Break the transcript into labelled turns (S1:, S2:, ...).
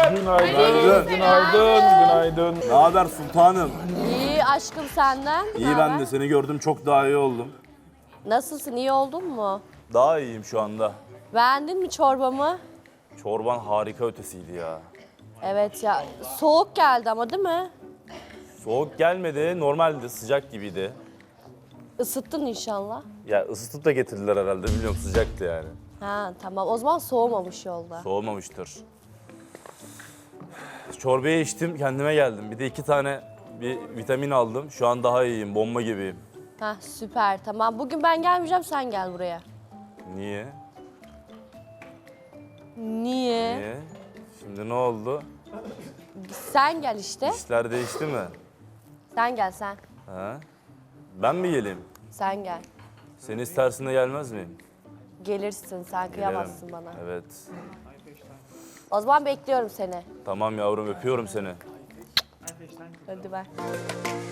S1: Günaydın. Günaydın.
S2: Ne haber sultanım?
S3: İyi aşkım senden.
S2: İyi ben de seni gördüm çok daha iyi oldum.
S3: Nasılsın, iyi oldun mu?
S2: Daha iyiyim şu anda.
S3: Beğendin mi çorbamı?
S2: Çorban harika ötesiydi ya.
S3: Evet ya, soğuk geldi ama değil mi?
S2: Soğuk gelmedi, normaldi, sıcak gibiydi.
S3: Isıttın inşallah.
S2: Ya ısıtıp da getirdiler herhalde, bilmiyorum sıcaktı yani.
S3: Ha tamam, o zaman soğumamış yolda.
S2: Soğumamıştır. Çorbayı içtim, kendime geldim. Bir de 2 tane bir vitamin aldım. Şu an daha iyiyim, bomba gibiyim.
S3: Ha süper, tamam. Bugün ben gelmeyeceğim, sen gel buraya.
S2: Niye?
S3: Niye?
S2: Niye? Şimdi ne oldu?
S3: Sen gel işte.
S2: İşler değişti mi?
S3: Sen gel sen.
S2: Ha? Ben mi geleyim?
S3: Sen gel.
S2: Seni istersin de gelmez miyim?
S3: Gelirsin, sen kıyamazsın bana.
S2: Evet.
S3: O zaman bekliyorum seni.
S2: Tamam yavrum, öpüyorum seni.
S3: Hadi ver.